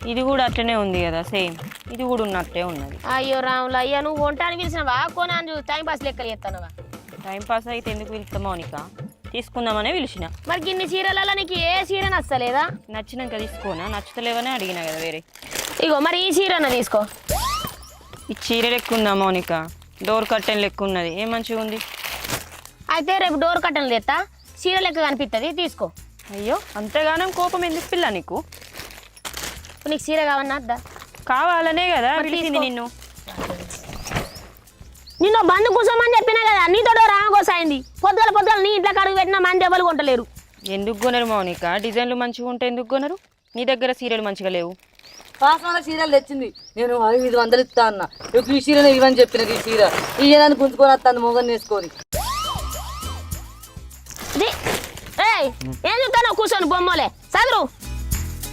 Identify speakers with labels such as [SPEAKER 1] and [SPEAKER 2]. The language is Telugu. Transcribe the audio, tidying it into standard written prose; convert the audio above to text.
[SPEAKER 1] ఇది కూడా అట్లనే ఉంది కదా సేమ్, ఇది కూడా ఉన్నట్టే ఉన్నది.
[SPEAKER 2] అయ్యో రాములు, అయ్యా నువ్వు వంటానికి పిలిచినవా కొనాను టైం పాస్ లెక్కలు చేస్తానవా?
[SPEAKER 1] టైం పాస్ అయితే ఎందుకు పిలుస్తా మౌనిక, తీసుకుందామనే పిలిచిన.
[SPEAKER 2] మరి గిన్ని చీరలలో నీకు ఏ చీర నచ్చలేదా?
[SPEAKER 1] నచ్చినాక తీసుకోనా, నచ్చుతలేవనే అడిగినా కదా వేరే.
[SPEAKER 2] ఇగో మరి ఈ చీరన తీసుకో.
[SPEAKER 1] ఈ చీర లెక్క ఉందా మౌనిక, డోర్ కర్టెన్ లెక్క ఉన్నది, ఏం మంచిగా ఉంది.
[SPEAKER 2] అయితే రేపు డోర్ కట్టను తెస్తా, చీర లెక్క కనిపిస్తుంది, తీసుకో.
[SPEAKER 1] అయ్యో అంతగానం కోపం ఎందుకు పిల్ల నీకు?
[SPEAKER 2] నీకు చీర కావన్నా అద్దా?
[SPEAKER 1] కావాలనే కదా పిలిచింది నిన్ను.
[SPEAKER 2] నిన్ను బంధు కూర్చోమని చెప్పినా కదా, నీతో రామకోసాయింది. పొద్దుల నీ ఇంట్లో కడుగు పెట్టినా మంది ఎవరు కొంటలేరు.
[SPEAKER 1] ఎందుకు కొనరు మౌనిక, డిజైన్లు మంచిగా ఉంటే ఎందుకు కొనరు? నీ దగ్గర సీరియల్ మంచిగా లేవు.
[SPEAKER 3] పాసమాల చీరలు తెచ్చింది, నేను 500 ఇస్తా అన్న. ఈ చీరలు ఇవని చెప్పిన, ఈ చీర ఈ జనాన్ని గుంజుకొని వస్తాను మొగన్ వేసుకొని.
[SPEAKER 2] ఏం చెప్తాను కూర్చొని బొమ్మలే చదువు.